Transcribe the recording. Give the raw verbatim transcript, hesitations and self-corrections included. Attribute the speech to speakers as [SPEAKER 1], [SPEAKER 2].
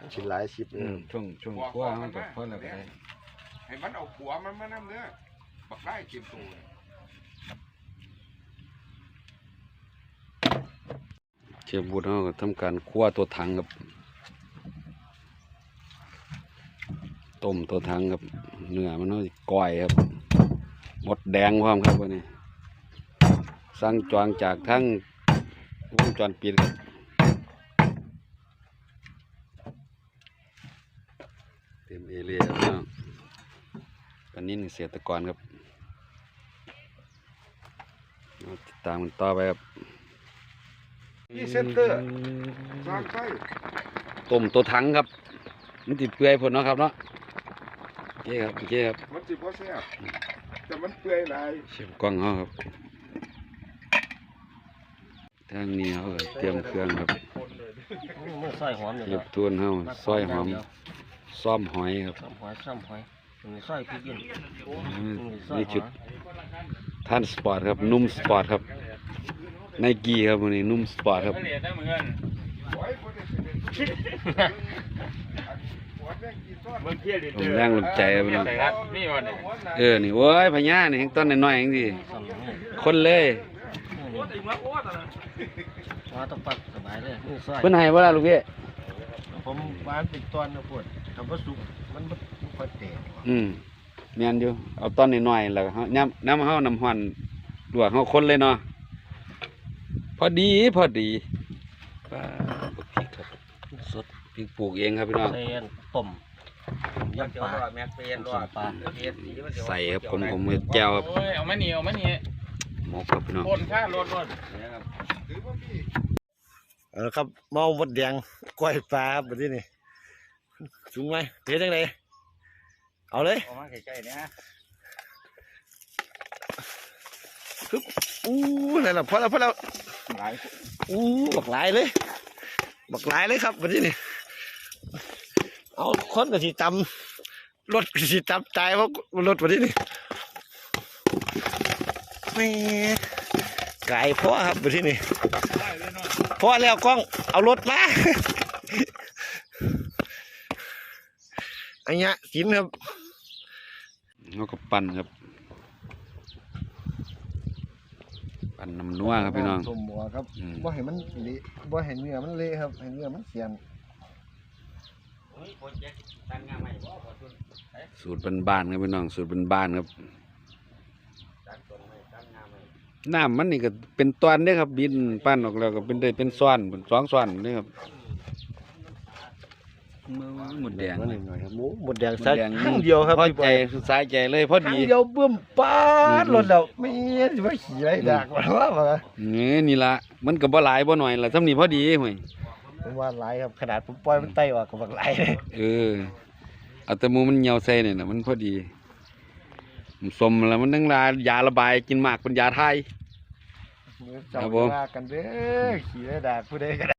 [SPEAKER 1] ชิ้นหลายชิป
[SPEAKER 2] ช่วงช่วงขั้วมันกับเพิ่นอะไรก็ได้
[SPEAKER 3] ให้มันเอาขัวมันมาน้ำเนื้อบักได้เต็มตัว
[SPEAKER 2] เชฟบูดเขาก็ทำการคั่วตัวถังกับต้มตัวถังกับเนื้อมันเอาก้อยครับหมดแดงพร้อมครับวันนี้สั่งจองจากทั้งวงจรปิดครับเต็มเอเรียครับตอนนี้เกษตรกรครับติดตามกันต่อไปครับ
[SPEAKER 3] นี่เซนเตอร์สร้างไส้
[SPEAKER 2] ต้มตัวถังครับมันติดเปื่อยผลเนาะครับเนาะโอเคครับโอเคครับ
[SPEAKER 3] มันจิบว่าแซ่บแต่มันเปื่อยหลาย
[SPEAKER 2] เชฟกล้องเขาครับทางนี้เขาก็เตรียมเครื่องครับ
[SPEAKER 1] ซอยหอม
[SPEAKER 2] เก็บทวนเขาซอยหอมซ่อมหอยครับ
[SPEAKER 1] ซ่อมหอยซ่อมหอยซอยพริกเย็น
[SPEAKER 2] นี่ชุดท่านสปอร์ตครับนุ่มสปอร์ตครับไนกี้ครับวันนี้นุ่มสปอร์ตครับผมแรงลมใจครับพี่น้องเออนี่โว้ยพญานี่ต้นน้อยๆอย่างที่คนเลย
[SPEAKER 1] ว่าต้องปักสบายเลย
[SPEAKER 2] เพิ่นให้บ่ล่ะลูกพี่
[SPEAKER 1] ผมวานเป็นตอนนะปวดทำวัสุกมันมันค่อยเตะ
[SPEAKER 2] อืมแม่นอยู่เอาต้นน้อยๆแล้วเฮาน้ำน้ำเฮาน้ำฮ้อนลวกเฮาคนเลยเนาะพอดีพอดีปลาพริกครับสดพริกปลูกเองครับพี่น้อง
[SPEAKER 1] เส้นต้มยำปลาแม็กเป็นรอดปลา
[SPEAKER 2] ใส่ครับผมผมมือแก้วครับ
[SPEAKER 4] เอาไม่หนีเอาไม่หนี
[SPEAKER 2] หมกครับพี่น้อง
[SPEAKER 4] คนข้ารถรถ
[SPEAKER 1] เออครับเมาหมดแดงก้อยปลาแบบนี้นี่สูงไหมเฮ็ดยังไงเอาเลย
[SPEAKER 4] เอามาใกล้ๆเนี่ย
[SPEAKER 1] ปึ๊บอู้นั่นแหละพอแล้วพอแล้วอู้บักหลายเลยบักหลายเลยครับแบบนี้นี่เอาคนกับสีตำรถกับสีตำใจเพราะรถแบบนี้นี่ไม่ไก่พ่อครับแบบนี้นี่พ่อแล้วกล้องเอารถมาอันนี้กินครับ
[SPEAKER 2] แล้วก็ปั่นครับปั่นน้ำนัวครับพี่น้อง
[SPEAKER 1] สมบัวครับบ่เห็นมันเละบ่เห็นเนื้อมันเละครับเห็นเนื้อมันเสียน
[SPEAKER 2] สูตรบ้านๆครับพี่น้องสูตรบ้านๆครับน้ำมันนี่ก็เป็นตอนเด้ครับบินปั้นออกแล้วก็เป็นได้เป็นซ้อนเป็นสองซ้อนนี่ครับหมดแดง
[SPEAKER 1] หน่อยครับหมูหมดแดงใส่ข้างเดียวครับ
[SPEAKER 2] พอใจสายใจเลยพอดี
[SPEAKER 1] ข้างเดียวเบิ่มป้าดรถแล้วไม่จะไปขี่ไรดักว่าว่า
[SPEAKER 2] นี่นี่ละมันก็บ่หลายบ่หน่อยละสำนีพอดีห่วย
[SPEAKER 1] ผมว่าหลายครับขนาดผมปล่อยมันไต่ออกกับบักหลาย
[SPEAKER 2] เออเอาแต่มูมันเหี่ยวใส่เนี่ยนะมันพอดีสมแล้วมันทั้งลายาระบายกินมากเป็นยาไทย
[SPEAKER 1] ครับผมกันเด้อขี่ไรดักผู้ใดก็